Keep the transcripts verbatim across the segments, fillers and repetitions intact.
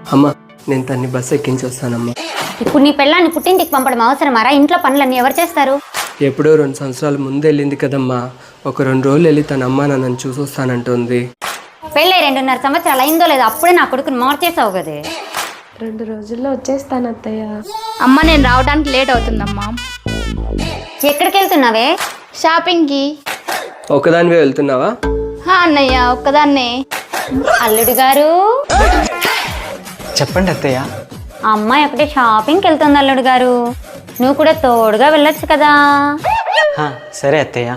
అమ్మ నేను తన్ని బస్సు ఎక్కించి వస్తానమ్మా. ఇప్పుడు నీ పెళ్ళాన్ని పుట్టింటికి పంపడం అవసరమారా? ఇంట్లో పనులన్నీ ఎవరు చేస్తారు? ఎప్పుడో రెండు సంవత్సరాల ముందు వెళ్ళింది కదమ్మా. ఒక రెండు రోజులు వెళ్ళి తన అమ్మ నన్ను చూసి వస్తానంటుంది. పెళ్ళై రెండున్నర సంవత్సరాలు అయిందో లేదో అప్పుడే నా కొడుకుని మార్చేసావు కదే. రెండు రోజుల్లో వచ్చేస్తాను అత్తయ్య. అమ్మ నేను రావడానికి లేట్ అవుతుందమ్మా. ఎక్కడికి వెళ్తున్నావే? షాపింగ్కి. ఒకదానివే వెళ్తున్నావా? హా అన్నయ్య ఒక్కదాన్నే. అల్లుడు గారు చెప్పండి అత్తయ్య. ఆ అమ్మాయి ఒకటే షాపింగ్కి వెళ్తుంది అల్లుడు గారు, నువ్వు కూడా తోడుగా వెళ్ళొచ్చు కదా. హా, సరే అత్తయ్య.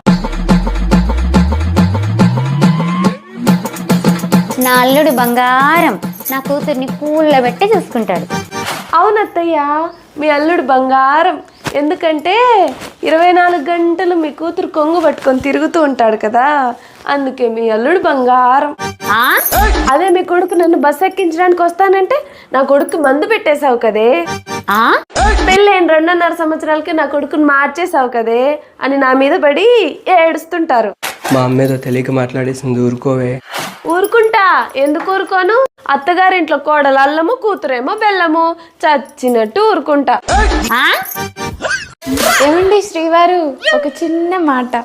నా అల్లుడు బంగారం, నా కూతుర్ని పూల్లో పెట్టి చూసుకుంటాడు. అవును అత్తయ్య, మీ అల్లుడు బంగారం. ఎందుకంటే ఇరవై నాలుగు గంటలు మీ కూతురు కొంగు పట్టుకొని తిరుగుతూ ఉంటాడు కదా, అందుకే మీ అల్లుడు బంగారం. ఆ అదే మీ కొడుకు నన్ను బస్సు ఎక్కించడానికి వస్తానంటే నా కొడుకు మందు పెట్టేశావు కదే. ఆ పెళ్ళైన రెండున్నర సంవత్సరాలకి నా కొడుకుని మార్చేసావు కదే అని నా మీద పడి ఏడుస్తుంటారు. మా అమ్మేదో తెలియక మాట్లాడేసింది, ఊరుకోవే. ఊరుకుంటా, ఎందుకు ఊరుకోను? అత్తగారింట్లో కోడలు అల్లము, కూతురేమో బెల్లము, చచ్చినట్టు ఊరుకుంటా. ఆ ఏమండి శ్రీవారు, ఒక చిన్న మాట.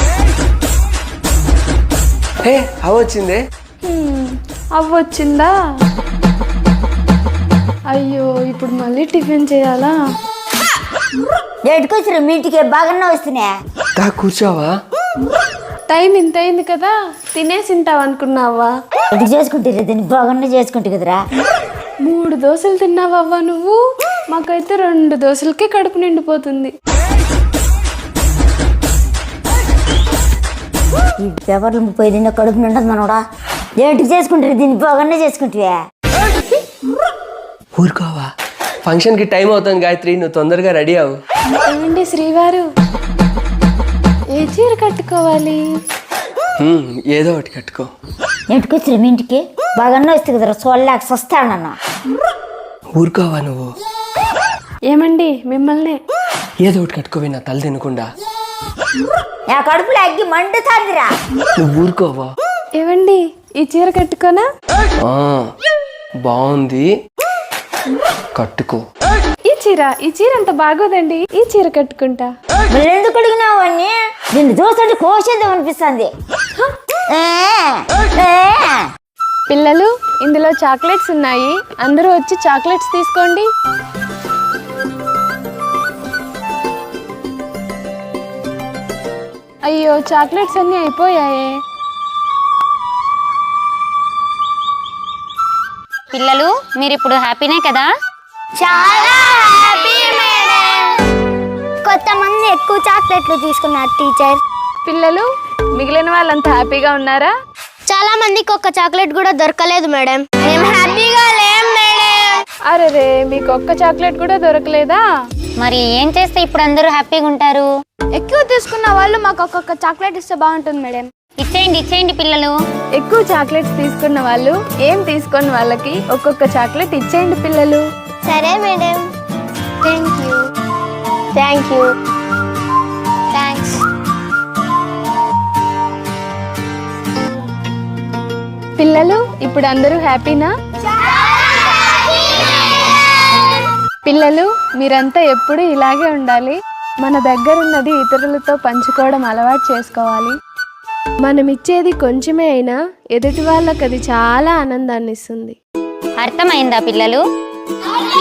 హే అవచ్చిందే. అవ్వొచ్చిందా? అయ్యో ఇప్పుడు మళ్ళీ టిఫిన్ చేయాలా? ఎటుకొచ్చిన మీ ఇంటికి బాగానే వస్తున్నా. దా కూర్చోవా. టైం ఇంత అయింది కదా, తినేసింటావు అనుకున్నావా? ఎటు చేసుకుంటారు దీన్ని బాగానే చేసుకుంటు కదరా. మూడు దోశలు తిన్నావవ్వా నువ్వు? మాకైతే రెండు దోశలకే కడుపు నిండిపోతుంది. ఈ పేపర్లు ముప్పై తిన్న కడుపు నిండదు మనోడా. ఏంటి చేసుకుంటారు దీన్ని బాగానే చేసుకుంటావా? ఊరుకోవా, ఫంక్షన్కి టైం అవుతుంది గాయత్రి, నువ్వు తొందరగా రెడీ అవ్వు. ఏమండి శ్రీవారు, ఏ చీర కట్టుకోవాలి? హ్మ్, ఏదో ఒకటి కట్టుకో. ఎటుకొచ్చిన మీ ఇంటికి బాగానే వస్తుంది కదరా, చూడలేక వస్తానన్నా. ఊరుకోవా నువ్వు. ఏమండి మిమ్మల్ని. ఏదో ఒకటి కట్టుకోవే, నా తల తినకుండా. నా కడుపులో అగ్గి మండుతాందిరా. నువ్వు ఊరుకోవా. ఏమండి ఈ చీర కట్టుకోనా? ఆ, బాగుంది, కట్టుకో. ఈ చీర ఈ చీర అంత బాగోదండి, ఈ చీర కట్టుకుంటా. మళ్ళీ ఎందుకు అడిగినావు అని? నిన్ను చూస్తుంటే కోసేద్దాం అనిపిస్తుంది. పిల్లలు, ఇందులో చాక్లెట్స్ ఉన్నాయి, అందరూ వచ్చి చాక్లెట్స్ తీసుకోండి. అయ్యో చాక్లెట్స్ అన్నీ అయిపోయాయే. పిల్లలు, మీరు ఇప్పుడు హ్యాపీనే కదా? చాలా హ్యాపీ మేడం. కొంతమంది ఎక్కువ చాక్లెట్లు తీసుకున్నారు టీచర్. పిల్లలు, మిగిలిన వాళ్ళంతా హ్యాపీగా ఉన్నారా? చాలా మందికి ఒక్క చాక్లెట్ కూడా దొరకలేదు మేడం. మేము హ్యాపీగా లేం మేడం. అరే, మీకు ఒక్క చాక్లెట్ కూడా దొరకలేదా? మరి ఏం చేస్తే ఇప్పుడు అందరూ హ్యాపీగా ఉంటారు? ఎక్కువ తీసుకున్న వాళ్ళు మాకు ఒక్కొక్క చాక్లెట్ ఇస్తే బాగుంటుంది మేడం. ఇచ్చేయండి ఇచ్చేయండి పిల్లలు. ఎక్కువ చాక్లెట్స్ తీసుకున్న వాళ్ళు ఏం తీసుకున్న వాళ్ళకి ఒక్కొక్క చాక్లెట్ ఇచ్చేయండి పిల్లలు. సరే madam. Thank you. Thank you. Thanks. పిల్లలు, ఇప్పుడు అందరూ హ్యాపీనా? పిల్లలు, మీరంతా ఎప్పుడు ఇలాగే ఉండాలి. మన దగ్గరున్నది ఇతరులతో పంచుకోవడం అలవాటు చేసుకోవాలి. మనం ఇచ్చేది కొంచెమే అయినా ఎదుటి వాళ్ళకి అది చాలా ఆనందాన్ని ఇస్తుంది. అర్థమైందా పిల్లలు?